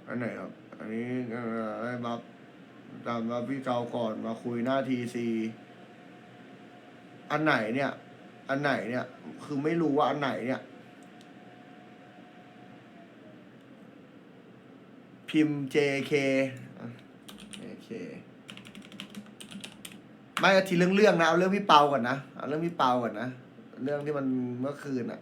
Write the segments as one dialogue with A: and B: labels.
A: อันไหนครับอันนี้ให้มาตามมาพี่เกาก่อนมาคุยหน้าทีซีอันไหนเนี่ย อันไหนเนี่ย คือไม่รู้ว่าอันไหนเนี่ย พิมพ์ JK ไม่ทีเรื่องนะเอาเรื่องพี่เปาก่อนนะเอาเรื่องพี่เปาก่อนนะเรื่องที่มันเมื่อคืนอะ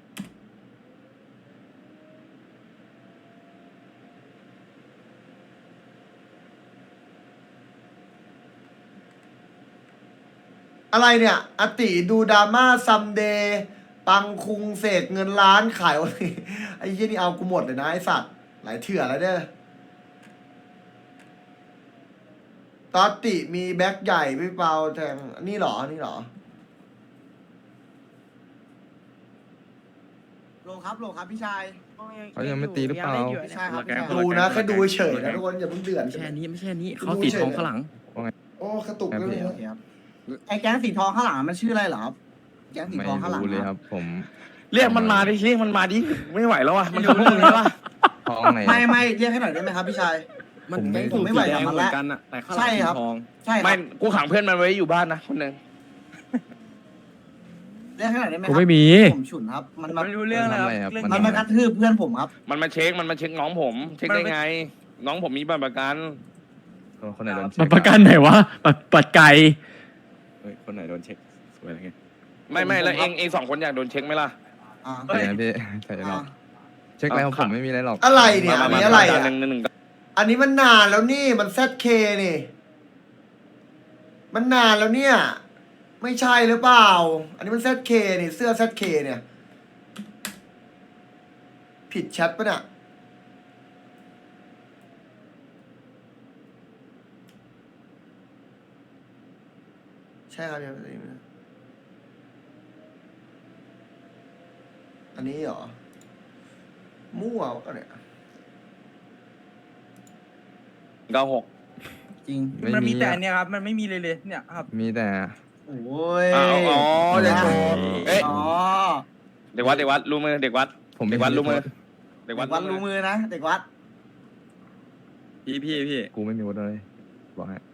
A: อะไรเนี่ยอติดูดราม่าซัมเดย์ปังคุงเสกเงินล้านขายวันนี้ไอ้ยี่นี่เอากูหมดเลยนะไอ้สัตว์หลายเถื่อแล้วเนี่ยตอตติมีแบ็คใหญ่พี่เปาแทงนี่เหรอนี่เหรอ
B: โลครับพี่ชาย
C: เขายังไม่ตีหรือเปล่า
B: พี่ชายครับพี่ชาย
A: ดูนะแค่ดูเฉยๆนะทุกคนอย่าเพิ่งเดือด
D: ไม่ใช่อันนี้ไม่ใช่อันนี้เขาสีทองข้างหลัง
A: โอ้กระตุกเลย
B: โอเคครับไอ้แก๊งสีทองข้างหลังมันชื่ออะไรเหรอครับแก๊งสี
C: ไม่
B: ทองข้างหลัง
C: รู้เลยครับ ผม
D: เรียกมันมาดิเรียกมันมาดิไม่ไหวแล้วอ่ะมันทำพวกมึงใช่ปะ
C: ทองไหน
B: ไม่เรียกให้หน่อยได้ไหมครับพี่ชาย
D: มัน
C: ผมไม่
B: ผมไม่ไหวกับมันแล้ว
D: กันอะแต่ข้างห
B: ใช่
D: ลังสี
B: ครับ
D: ทอง
B: ใช่ค
D: ไม่
B: รับ
D: กูขังเพื่อนมันไว้อยู่บ้านนะคนหนึ่ง
B: เรียกให้หน่อยได้ไหมค
E: กู
B: รับ
E: ไม่มี
B: ผมฉุนครับมัน
D: ไม่รู้เรื่องอะไรครับ
B: มันมากระทืบเพื่อนผมครับ
D: มันมาเช็คน้องผม เช็คได้ไง น้องผมมีบัตรประกัน
C: คนไหนโดนเช็
E: มั
C: คน
E: ประกันไหนวะปัดไก่
C: คนไหนโดนเช็คสวยอะไรเงี้ย
D: ไม่แล้วเองสองคนอยากโดนเช็คไหมล่ะ
B: อ่า
C: ใช่นะพี่ใช่หรอกเช็คแล้วผมไม่มีอะไรหรอก
A: อะไรเนี่ยอันนี้อะไรอ่ะ
D: หนึ่ง
A: อันนี้มันนานแล้วนี่มัน ZK นี่มันนานแล้วเนี่ย ไม่ใช่หรือเปล่า อันนี้มัน ZK นี่เสื้อ ZK เนี่ย ผิดแชทปะเนี่ยใช่ครับยังอันนี้เหรอมั่วก็เนี่ย
D: 96
B: จริง
C: มันมีแต่
F: เนี่ยครับ มันไม่มีเลยเนี่ยครับ
C: มีแต่
B: โอ้ย
D: อ๋อจะโชว์เอ๊ะ
B: อ๋อ
D: เด็กวัดรู้มือเด็กวัด
C: ผม
D: เด็กวัดรู้มือ
B: เด็กวัดรู้มือนะเด็กวัด
D: พี่
C: กูไม่มีวุฒิเลยบอกให้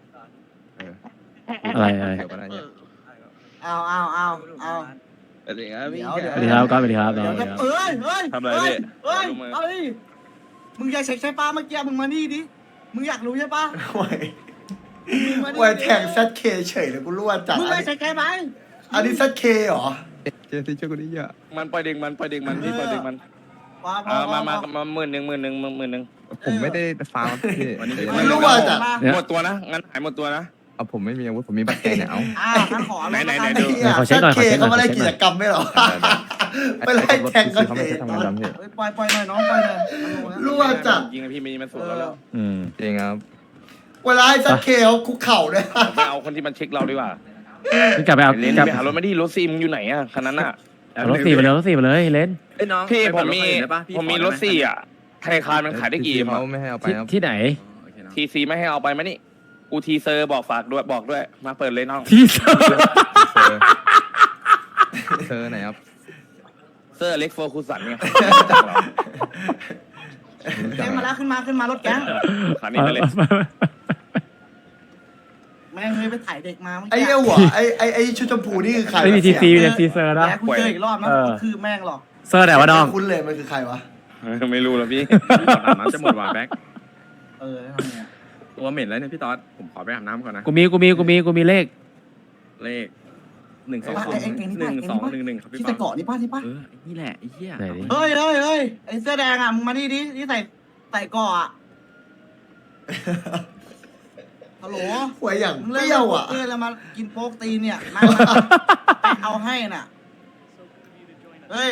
E: อะไร
C: เดี๋ยวก็ได้เนี่ย
B: เอา
D: เด็กครับพี่
B: เดี๋ยว
E: สวัสดีครับก็สวัสดีครับ
B: เดี๋ยว
E: สวัสดี
B: จะ
E: ครับ
B: เอ้ย
D: ทำอะไรพี่
B: เอ้ย
D: รู้มือ
B: เอ้ยมึงอยากเช็คใช่ปะเมื่อกี้มึงมานี่ดิมึงอยากรู้ใช่ปะ
A: โอ้ยโอ้ยแทง ZK เฉยเลยกูรั่วจัด
B: มึง
A: อัน
B: ไม่
A: นี้
B: เช็คใช่ไหม
A: อันนี้ ZK เหรอ
C: เจสซี่ช่วยกูดิเยอะ
D: มันปล่อยเด็กมันพี่ปล่อยเด็กมัน มาหมื่นหนึ่ง
C: ผมไม่ได้ฟาวล์พี่
A: ไม่รู้ว่าจะ
D: หมดตัวนะงั้นหายหมดตัวนะ
C: เอาผมไม่มีอาวุธผมมีบัตรแกเนี่ยเอา
B: ท่านขอ
D: ไหน
A: ไอ้
D: ดู
A: เหี้ย ZK เขาไม่ได้กิจกรรมไม่หรอไปไล่แทงก็
C: เขา
A: เฉ
C: ไม่
A: ย
C: ใช่ทำงานดำพี่
B: ปล่อยหน่อยน้องปล่อยหน่อย
A: รั่วจัด
D: ยิงพี่มีมันสวนแล้ว
E: อืม
C: จริงครับ
A: เวลาไอ้ ZK เขาคุกเข่าด้วย
D: ไปเอาคนที่มันเช็คเราดีกว่า
E: พี่กลับไปเอา
D: เลน
E: กลับ
D: ไปหารถมาดิรถซีมึงอยู่ไหนอ่ะคันนั้นอ่ะ
E: เอารถสี่มาเลยรถสี่มาเลยเลน
F: เอ้ยน้อง
D: พี่
F: ไป
D: ผ
F: เปิด
D: มมี
F: ถคันอื่นได้ปะพี่
D: ผมมี
F: ขอ
D: ร
F: ได้
D: ถ
F: ไห
D: สี่อ่ะธนาคารมันขายได้กี่
C: เขาไม่ให้เอาไปครับ
E: ที่ไหน
F: โอเคน้อง
D: ทีซีไม่ให้เอาไปไหมนี่กูทีเซอร์บอกฝากด้วยบอกด้วยมาเปิดเลยน้อง
E: ที่เซอร์
C: เธอไหนครับ
D: เซอร์เล็กโฟร์คูสันเนี่ย
B: แก๊งมาแล้วขึ้นมารถแก๊ง
D: ขันนี้ไปเลย
B: แม่งเลยไปถ่ายเด็กมา
A: ไอ้เหี้ยหัวไอ้ชุดชมพูนี่คือใคร
E: ไม่มีทีซีเนี่ยทีเซอร์นะ
B: แล้วกูเจออีกรอบนะคือแม่งหรอก
E: เซอร์ไหนวะน้อง
A: คุ้นเลยมันคือใครวะ
D: ไม่รู้แล้วพี่
F: อาบน้ำจะหมดว่ะแบ็ค
B: ทำไง
F: ตัวเหม็นแล้วเนี่ยพี่ต๊อดผมขอไปอาบน้ำก่อนนะ
E: กูมีเลข
F: เลข1211ครับพี่
B: ที่
F: ต๊
B: ใส่
F: อด
B: เกาะนี่ป้าที่ป้า
F: ไอ้นี่แหละไอ้เหี้ย
E: ไหนดิ
B: เฮ้ยไอ้เสื้อแดงอ่ะมึงมานี่ดิที่ใส่เกาะอ่ะฮัลโหล
A: หัวอย่าง
B: มึง
A: เป
B: เล่น
A: รี้ยวอ่ะ
B: เล่นแล้วมากินโป๊กตีเนี่ยมาเอาให้น่ะเฮ้ย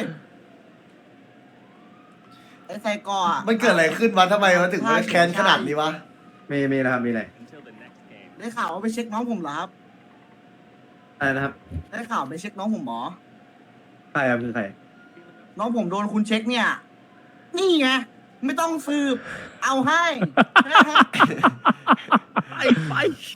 B: ไอ้ใส่เกาะอ่ะ
A: มันเกิดอะไรขึ้นวะทำไมมันถึงมันแค้นขนาดนี้วะ
G: มีนะครับ มีอะไร
B: ได้ข่าวว่าไปเช็คน้องผมเหรอครับ
G: อะไรนะครับ
B: ได้ข่าวไปเช็คน้องผมหมอ
G: ใครครับคือใคร
B: น้องผมโดนคุณเช็คเนี่ย นี่ไง ไม่ต้องสืบ เอาให้
F: ไป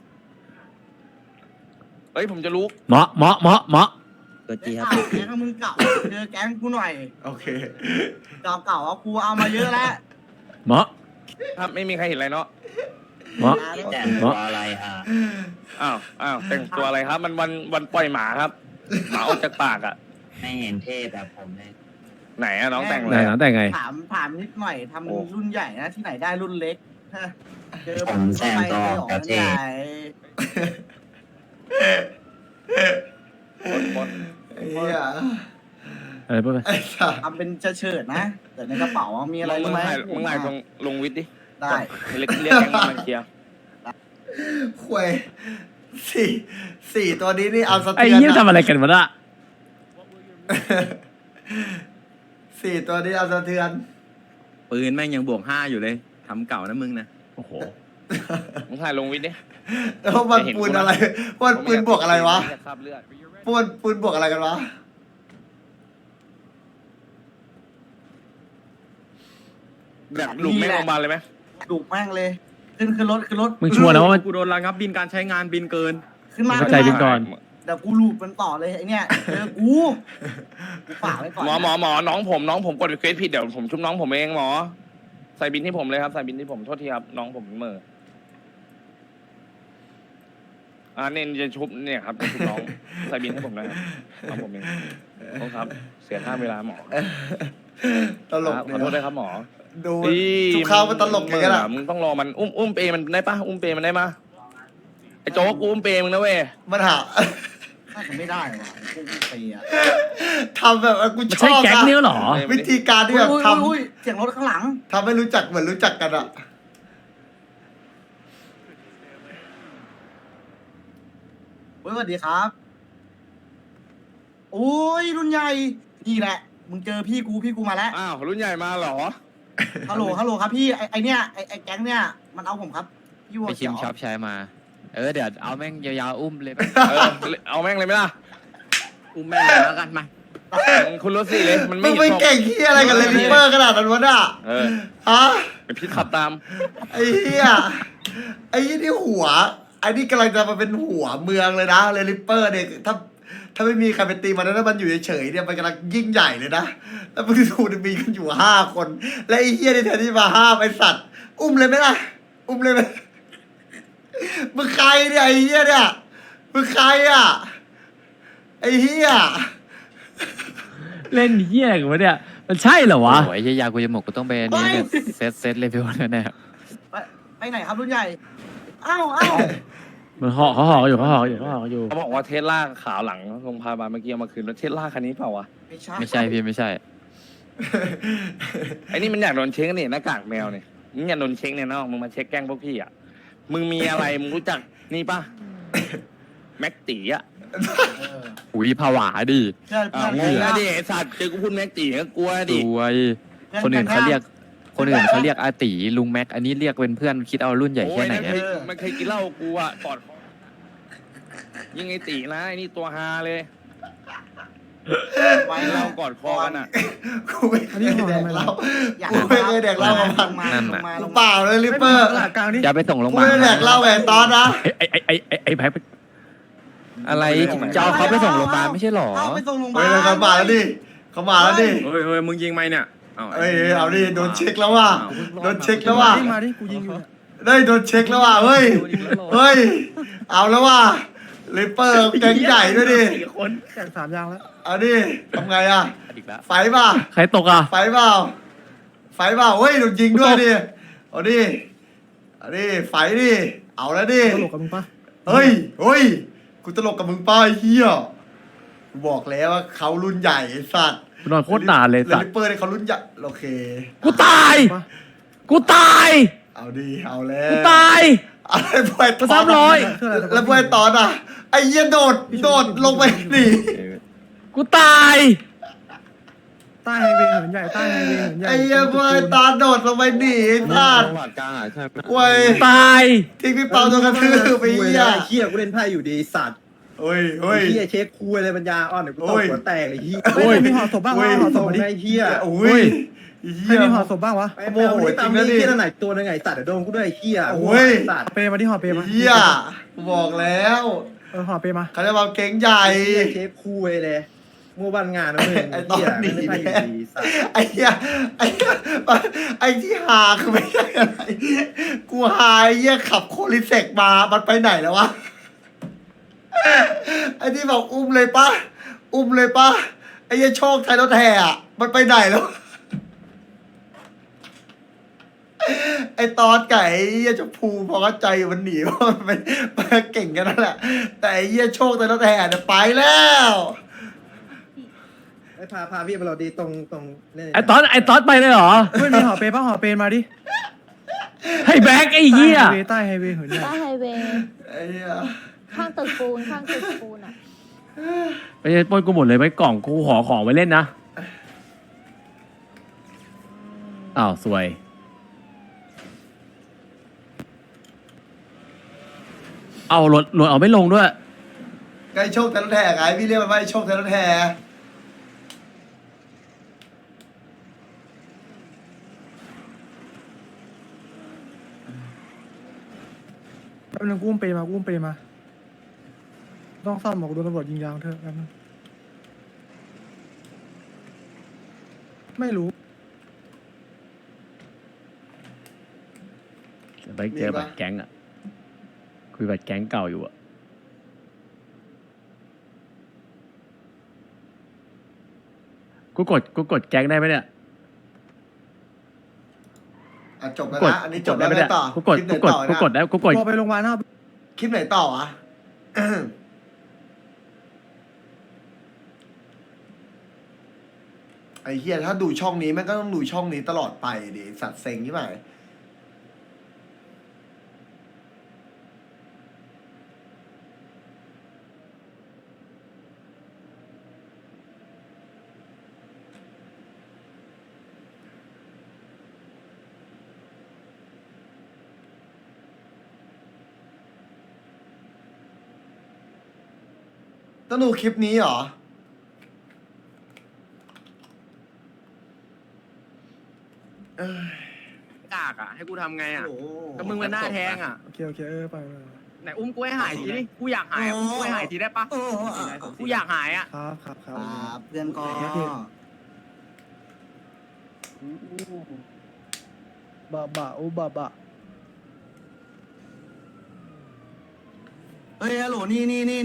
D: เฮ้ยผมจะรู้
E: เหมาะ
B: ได้ข่าวแก๊งมึงเก่าเจอแก๊งกูหน่อย
A: โอเค
B: เก่าเอากูเอามาเยอะแล้ว
E: เหมาะ
D: ครับไม่มีใครเห็นอะไรเนาะ
E: เหมาะ
H: แต่ง
E: เห
H: ตัว
E: มาะ
H: อะไรอ่ะ
D: อ้าวแต่งตัวอะไรครับ มันวันปล่อยหมาครับหมาออกจากปากอ่ะ
H: ไม่เห็นเท่แบบผมเลย
D: ไหนอะน้องแต่งอะ
E: ไหน
D: ไร
E: นะ
D: อะ
E: แต่ไง
B: ถามนิดหน่อยทำรุ่นใหญ่นะที่ไหนได้รุ่นเล็กฮะเจอ
H: ผมแต่งตัวออก
B: รุ่
H: จะ
B: น
H: เท่
B: ใหญ่
D: บน
A: ไอ้เหี้ย
E: อะไรพูดไป
A: ไอ้สัตว์
B: ทำเป็นเฉิดๆนะแต่ในกระเป๋ามีอะไร
D: มึ
B: รู้
D: ง
B: ไหม
D: ถ่ายลงวิทย์ดิ
B: ได้
D: เรียกแก๊งมาเคลียร์
A: ควยสี่ตัวนี้นี่เอาสะ
E: ไอ้
A: เทือน
E: เหี้ยทำ
A: อะ
E: อะไรกันวะน่ะ
A: สี่ตัวนี้เอาสะเทือน
F: ปืนแม่งยังบวก5อยู่เลยทำเก่านะมึงนะ
E: โอ้โห
D: มึงถ่ายลงวิทย์ดิ
A: แล้วมันปืนอะไรมันปืนบวกอะไรวะ
D: คราบเลือด
A: ปืนบวกอะไรกันวะ
D: แบบหลุมแม่งลงมาลเลยไหม
B: ดุแม่งเลย ขึ้นรถ
E: มึงชัวร์นะว่ามัน
F: กูโดนระงับบินการใช้งานบินเกิน
B: ขึ้นมา
E: เข้าใจบินก่อน
B: เดี๋ยวกูลูบมันต่อเลยไอเนี่ยเจอกูฝากไว้ก่อน
D: หมอน้องผมกดรีเควสผิดเดี๋ยวผมชุบน้องผมเองหมอใส่บินที่ผมเลยครับใส่บินที่ผมโทษทีครับน้องผมเหม่อเนี่ยจะชุบเนี่ยครับจะชุบน้องใส่บินให้ผมเลยครับน้องผมเองโทษครับ เสียค่าเวลาหมอ
A: ตลก
D: ครับ
A: เนี่
D: ขอโทษด้วย
A: ย
D: ครับหมอ
A: ดูทุกข้าวมันตลกอย่างนั้นอะ
D: มึงต้องรอมันอุ้มเปมันได้ปะอุ้มเปมันได้ปะไอ้โจ๊กกูอุ้มเปมึงนะเว้ย
A: มันหา
B: น่าจะไม่ได้ว่ะพวกมึงตีอ่ะ
A: ทำแบบกู
E: มัน
A: ช
E: ใช่
A: อบ
E: แก๊ง
A: อะ
E: นี้เหรอ
A: วิธีการที่แบบ
B: อุ้ยเสียงรถข้างหลัง
A: ทำให้รู้จักเหมือนรู้จักกันอะ
B: สวัสดีครับโอ้ยรุ่นใหญ่นี่แหละ มึงเจอพี่กูมาแล้ว
D: อ้าวรุ่นใหญ่มาเหรอ
B: ฮัลโหลครับพี่ไอเนี่ยไอแก๊งเนี่ยมันเอาผมครับพี่วัว
I: ไปชิ
B: เขีย
I: ม
B: ว
I: ชอบใช้มา เดี๋ยวเอาแม่งยาวๆอุ้มเลย
D: เอาแม่งเลยไหมล่ะ
F: อุ้มแม่งเลยแล้วกันมา
D: คุณรถสี่เลยมัน
A: มึ
D: ไม่
A: ง
D: เห็น
A: ไป
D: หรอก
A: เก่งที่อะไรกันเลยลิปเปอร์ขนาดนั้นวะน่ะ ฮะ
D: ไอพี่ขับตาม
A: ไอ้เหี้ยไอ้ยี่นี่หัวไอ้นี่กำลังจะมาเป็นหัวเมืองเลยนะเลยลิปเปอร์เนี่ยถ้าไม่มีใครไปตีมันแล้วมันอยู่เฉยๆเนี่ยมันกำลังยิ่งใหญ่เลยนะแล้วมึงดูดิมีกันอยู่5 คน และไอ้เหี้ยนี่แทนที่มาห้ามไอ้สัตว์ อุ้มเลยไหมล่ะ อุ้มเลยไหมมึงใครเนี่ยไอ้เหี้ยเนี่ยมึงใครอ่ะไอ้เหี้ย
E: เล่นเหี้ยกันวะเนี่ย มันใช่เหรอวะ
I: โอ้ยยากูจะหมกกูต้องไปอันนี้เนี่ยเซตเลเวลแน่
B: ไปไหนครับรุ่นใหญ่อ้าว
E: มันห่อเขาห่อกันอยู่เขาห่อกันอยู่เขาห่อกันอยู่
D: เขาบอกว่าเทสลาขาวหลังโรงพยาบาลเมื่อกี้เอามาคืนแล้วเทสลาคันนี้เปล่าวะ
I: ๆไม่ใช่พี่ไม่ใช่
D: ไอ้นี่มันอยากโดนเช็คนี่หน้ากากแมวเนี่ยมึงอยากโดนเช็คเนี่ยน้องมึงมาเช็คแกล้งพวกพี่อ่ะมึงมีอะไรมึงรู้จักนี่ป่ะแม็กตีอ่ะ
I: อุ้ยผวาดิ
B: เพื่อน
D: อ้าวงงนะดิไอ้สัตว์เจอกูพูดแม็กตีก็กลัว
I: ส
D: ดิ
I: วยคนอื่นเขาเรียกอาตีลุงแม็กอันนี้เรียกเป็นเพื่อนคิดเอารุ่นใหญ่แค่ไหน
D: โอ้ย
I: อะ
D: มันเคยกินเหล้ากูอ่ะปอดคอยิงไอ้ตีนะไอ้นี่ตัวฮาเลย
B: ไว้
D: เรากอดคอกันอ่ะ
A: กูไม่เคยแดกเหล้า
B: อยาก
A: กูไม่เคยแดกเหล้ากับมัน กูเปล่าเลยลิปเปอร์
I: จะไปส่งโรงพ
A: กู
I: ยาบา
A: ไม่
I: ล
A: ได้แดกเหล้าไงตอนนะ
E: ไอ้แพ็ค
I: อะไรจะเอาเขาไปส่งโรงพยาบาลไม่ใช่หรอ
B: เอาไปส่งโรงพยา
A: เฮ้ย
B: บาล
A: เขามาแล้วดิเขามาแล้วดิ
F: เฮ้ยมึงยิงไหมเนี่ย
A: เฮ้ยเอาดิโดนเช็คแล้วว่ะโดนเช็คแล้วว่ะ
F: มาดิกูยิงอยู่
A: ได้โดนเช็คแล้วว่ะเฮ้ยเฮ้ยเอาแล้วว่ะลิปเปอร์แกงใหญ่ด้วยดิ
F: คนแข่ง3 ยางแล้ว
A: เอาดิทำไงอ่ะ
I: อีกแล้ว
A: ไฟป่ะ
E: ใครตกอ่ะ
A: ไฟเปล่าไฟเปล่าเฮ้ยโดนยิงด้วยดิเอาดิเอาดิไฟดิเอาแล้วดิ
F: ตลกกับมึงปะ
A: เฮ้ยเฮ้ยกูตลกกับมึงป้าไอ้เฮียกูบอกแล้วว่าเขารุ่นใหญ่ไอ้สัตว์
E: กูนอนโคตรนานเลยสัต
A: ลิ
E: ว์
A: ปเปอร์เนี่ยเขารุ่นใหญ่โอเค
E: กูตาย กูตาย
A: เอาดิเอาแล้ว
E: กูตาย
A: อะไรพวยต
E: กระ
A: อ
E: ซับ
A: น
E: ร้อย
A: แล้วพวยตอนอ่ะไอ้เหี้ยโดดลงไปหนี
E: กูตาย
F: ใต้ไฮเวย์เหมือนใหญ่ใต้ไฮเวย์เหมือนใหญ่
A: ไอ้เหี้ยพวยตอนโดดลงไปหนีไอ้สัตว์
C: หลัดกลางอ่ะใช่ไหม
A: เว้ย
E: ตาย
A: ทิ้งพี่เปาโดนกระทืบไป
G: คุย
A: เหี้ย
G: ไอ้เหี้ยกูเล่นไพ่อยู่ดีสัตว์
A: เฮ้ย
G: ไอ้
A: เฮ้ย
G: เหี้ยเช็คคุยอะไรปัญญาอ่อนเดี๋ยวกูต
A: โอ้
G: บ
A: ย
G: หัวแตกไอ้เหี้ย
E: โอ้ย
F: มีห่อศพบ้างวะห่อศพมาดิ
G: ไอ้เหี้ย
A: โอ้ยเหี้ย
F: มีห่อศพบ้างวะ
G: ไปโมโหจริงนะนี่เหี้ยไหนตัวนึงไงสัตว์เดี๋ยวโดนกูด้วยไอ้เหี้ย
A: โอ้ย
G: สัตว์
F: เปมาดิห่อเปมา
A: เหี้ยกูบอกแล้ว
F: ห่อเปมา
A: เขาจะมาเก่งใหญ่
G: ไอ้เหี้ยเช็คคุยเลยมัวบันงานนะมึง
A: ไอ้ตอนหนี
G: เล่นไพ่อยู่ดีสัตว์
A: ไอ้เหี้ยไอ้เหี้ยไอ้ที่หาคือไม่ใช่อะไรกูหาไอ้เหี้ยขับโคลิเซกมามันไปไหนแล้ววะไอ้ที่บอกอุ้มเลยปะอุ้มเลยปะไอ้เหี้ยโชคไทยรถแห่อะมันไปไหนแล้วไอ้ตอนไก่ไอ้เหี้ยชมพูพอเข้าใจมันหนีเพราะมันเก่งกันนั่นแหละแต่ไอ้เหี้ยโชคไทยรถแห่เนี่ยไปแล้ว
G: ไอ้พาพี่มาเราดีตรงเนี่ย
E: ไอ้ตอนไปเลยเหรอ
B: ไม่มีหอเปป่ะหอเปมาดิ
E: ให้แบ็กไอ้เหี้ย
B: ใต้ไฮเวย์เหินใหญ่
J: ใต้ไฮเวย์
A: ไอ้เหี้ย
J: ข้างตึกปูนข้างตึกปูนอ่ะ
E: ไปปล้นกูหมดเลยไหมกล่องกูขอของไว้เล่นนะอ้าวสวยเอารถเอาไม่ลงด้วย
A: ไอ้โชคไทยรถแห่ไงพี่เรียกมันว่าไอ้โชคไทยรถแห่
B: แป๊บนึงกูอุ้มเปมาต้องซ่อมบอกโดนตำรวจยิงยางเถอะแป๊บนึงไม่รู้
E: ไปเจอบัตรแก๊งอ่ะคุยบัตรแก๊งเก่าอยู่อ่ะกูกดแก๊งได้ไหมเนี่ย
A: อ่ะจบแล้ว
E: กด
A: นะอันนี้จบ
E: ได้
A: แล้ว
E: ไหม
A: ไง
E: เนี่ย
A: ต่อ
E: กูกด
A: คลิปไหนต่อนะ
E: ได้กูกด
B: พอไปโรงพยาบาลนะ
A: คลิปไหนต่ออ่ะ ไอ้เฮียถ้าดูช่องนี้แม่งก็ต้องดูช่องนี้ตลอดไปดิสัตว์เซ็งใช่ไหมต้องดูคลิปนี้เหรอ
F: กากอ่ะให้กูทำไงอ่ะ
A: โอ้โห
F: ก็มึงเป็นหน้าแทงอ่ะ
B: โอเคไป
F: ไหนอุ้มกูให้หายทีดิกูอยากหายอุ้มกูให้หายทีได้ปะกูอยากหายอ่ะ
B: ครับ
H: เพื่อนก็
B: บะอุบะ
H: เฮ้ยฮัลโหลนี่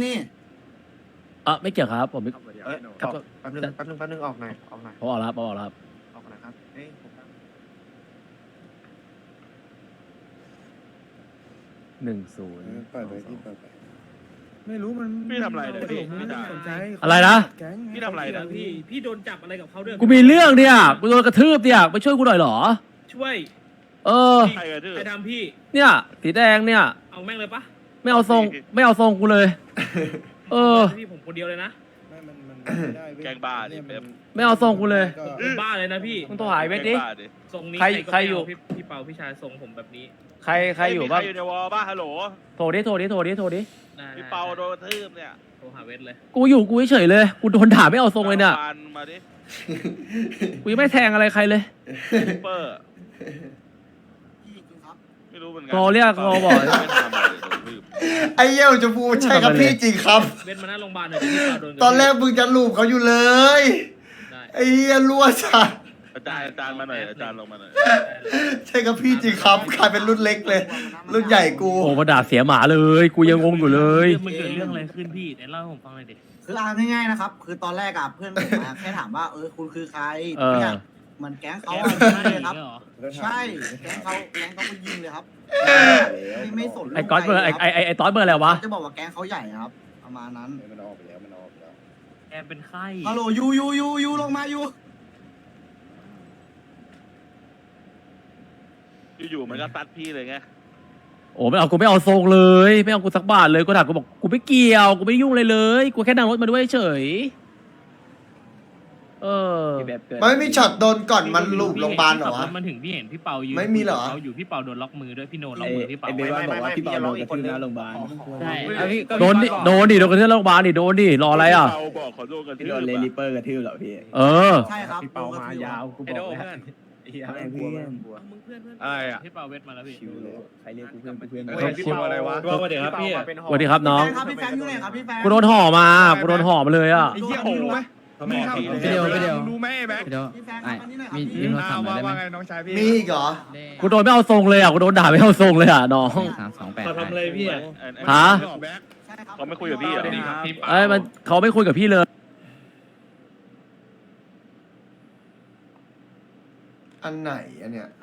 E: ไม่เกี่ยวครับผมไม่
G: แป๊บนึงออกหน่อย
E: ผมออกแล้วครับ
G: ออกหน่อยครับเอ้ยผม
E: 10
G: ปล่อยไปที่ปล่อยไป
B: ไม่รู้มัน
F: พี่ทำอะไรเนี่ยพี่
B: ไม่ได้สนใจ
E: อะไรนะ
B: แก๊ง
F: พี่ทำอะไรนะ
E: พี่โดนจับอะไรกับเขาด้วยกูมีเรื่องเนี่ยกูโดนกระทืบเนี่ยไปช่วยกูหน่อยเหรอ
K: ช่วย
E: เออ
F: ใครกระทืบ
K: ใครทำพี่
E: เนี่ยสีแดงเนี่ย
K: เอาแม่งเลยปะ
E: ไม่เอาทรงกูเลย เออ
K: พี่ผมคนเดียวเลยนะ
G: มันไม่ได้เว้ย
F: แกงบ้าดิเป๊ป
E: ไม่เอาทรงกูเลย
K: ผมบ้าเลยนะพี่
E: มึงโทรหาไอ้เวทดิ
F: แกงบ้าดิ
K: ทรงนี้
E: ใคร
K: ก็
E: ใคร
K: ไม่
E: อยู่
K: เาพี่เปาพี่ชายทรงผมแบบนี้
E: ใครอยู่บ้าง
F: ใครอยู่ในวอลบ้าฮัลโหล
E: โทรดิ
K: ได้
F: พี่เปาโดนกระทืบเนี่ย
K: โทรหาเวทเลย
E: กูอยู่กูเฉยๆเลยกูโดนด่าไม่เอาทรงเลยเนี่ย
F: ฟันมาดิ
E: กูยังไม่แทงอะไรใครเลย
F: ซูเปอร์ไม่รู้เหมือนกั
E: รอเรียกรอบอก
F: ไม่ทำอะไรโดนกระทืบ
A: ไอ้เหี้ยชมพูใช่ครับพี่จริงครับ
K: เวทมาหน้าโรงพยาบาลหน่อยเดี๋ยวพี่เปาโดน
A: ตอนแรกมึงจะลูบเขาอยู่เลย
K: ได้
A: ไอ้เหี้ยรั่วจัด
F: อาจารย์มาหน่อยอาจารย์ลงมาหน่อย
A: ใช่ครับพี่จริงครับกลายเป็นรุ่นเล็กเลย รุ่นใหญ่กู
E: โอ้มาด่าเสียหมาเลย กูยังงงอยู่เลย
K: มันเกิดเรื่องอะไรขึ้นพี่ไหนเล่าให้ผมฟังหน่อยดิ
H: คือเอาง่ายๆนะครับ คือตอนแรกอะเพื่อนผมอะแค่ถามว่าคุณคือใครเนี่ยเหมือนแก๊งเขาอะยิงเลยครับ ใช่แก๊งเขาก็ยิงเลยครับไม่สน
E: ไอ้ก๊อตเบอร์ไอ้ตอสเบอร์อะไรวะ
H: จะบอกว่าแก๊งเขาใหญ่ครับ ประมาณนั้น
G: มันออกไปแล้ว
K: แกเป็นไข้
H: ฮัลโหลยูลงมายู
F: อยู่ๆมันก็ตัดพี่เลยไง
E: โอ้ไม่เอากูไม่เอาทรงเลย ไม่เอากูสักบาทเลยกูถามกูบอกกูไม่เกี่ยวกูไม่ยุ่งเลยเลยกูแค่นั่งรถมาด้วยเฉยเออ
A: มันไม่มีช็อตโดนก่อนมันลูบโรงพยาบาลเหรอวะ
K: มันถึงพี่เห็นพี่เปายืน
A: ไม่มีเหรอ
K: เขาอยู่พี่เปาโดนล็อกมือด้วยพี่โนล็อกมือพี่เปา
F: ไม่บอกว่าพี่เปาโดนกระทืบหน้าโรงพยาบาล
K: ใช่
E: โดนดิโดนกระเทือนโรงพยาบาลดิโดนดิรออะไรอ่ะ
F: พี่เปาบอกเขาโดนกระทืบ
G: โดนเลลิเปอร์กระทืบเหรอพี่
E: เออ
H: ใช่ครับ
G: พี่เปามายาวกูบอกเลย
K: มึงเพื่อนอะไรอ่ะพี่เปาเวทมาแล้วพี่
G: ชิวเลยใครเรียกกูเพื่อน
F: พี่เปาอะไรวะ
E: สวัสดีครับพี่สวัสดีครับน้อง
H: ครับพี่แฟนอยู่ไหนครับพี่แฟน
E: กูโดนห่อมาเลยอ่ะ
G: ไอ้เหี้ยมึงรู้ไหม
K: มึงทำ
G: ไปเดียวไปเดียว
K: รู้ไหมไอ้แบ็ค
G: เดี๋ยว
H: พี่แฟนค
G: ไอ้
H: รับอันนี้หน่อยครับ
G: มี
H: พี่
G: โทรศัพท์หน่อยได้ไหม
K: ว่าไงน้องชายพี่
A: มีอีกเหรอ
E: กูโดนไม่เอาทรงเลยอ่ะกูโดนด่าไม่เอาทรงเลยอ่ะน้อง
G: 328
K: ทำอะไรพี่อ่ะ
E: ฮะ
K: แบ็ค
H: ใช่ครับ
D: เขาไม่คุยกับพี่เหรอ
E: เอ้ยมันเขาไม่คุยกับพี่เลย
A: อันไหนอันเนี้ย